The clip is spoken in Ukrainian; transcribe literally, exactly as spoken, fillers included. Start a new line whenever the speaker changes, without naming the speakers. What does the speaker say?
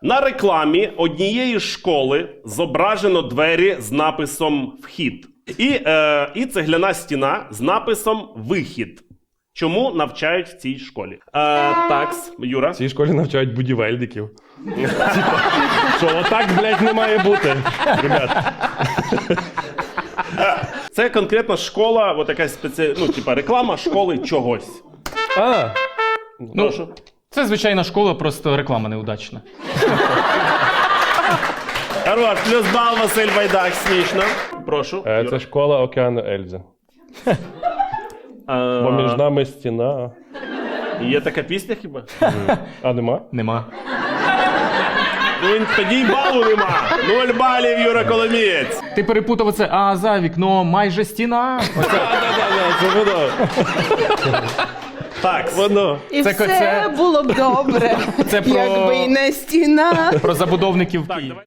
На рекламі однієї школи зображено двері з написом «Вхід». І, е, і цегляна стіна з написом «Вихід». Чому навчають в цій школі? Е, такс, Юра.
В цій школі навчають будівельників. Типа, що отак, блядь, не має бути, ребят.
Це конкретно школа, от якась спеці... ну, типа реклама школи чогось.
А,
Ну, це звичайна школа, просто реклама неудачна.
Хорош, плюс бал, Василь Байдак, смішно. Прошу.
е,
Юра.
це школа Океану Ельзи.
А,
Бо між нами стіна.
Є така пісня хіба?
А нема?
Нема.
Ну, він- тоді й балу нема. Нуль балів, Юра Коломієць.
Ти перепутав оце, а за вікном майже стіна. Оце.
Да-да-да, це воно.
Так,
Воно.
І
Це-
все
це-
було б добре,
Це про-
якби й не стіна.
Про забудовників
так,
Києва.
давай.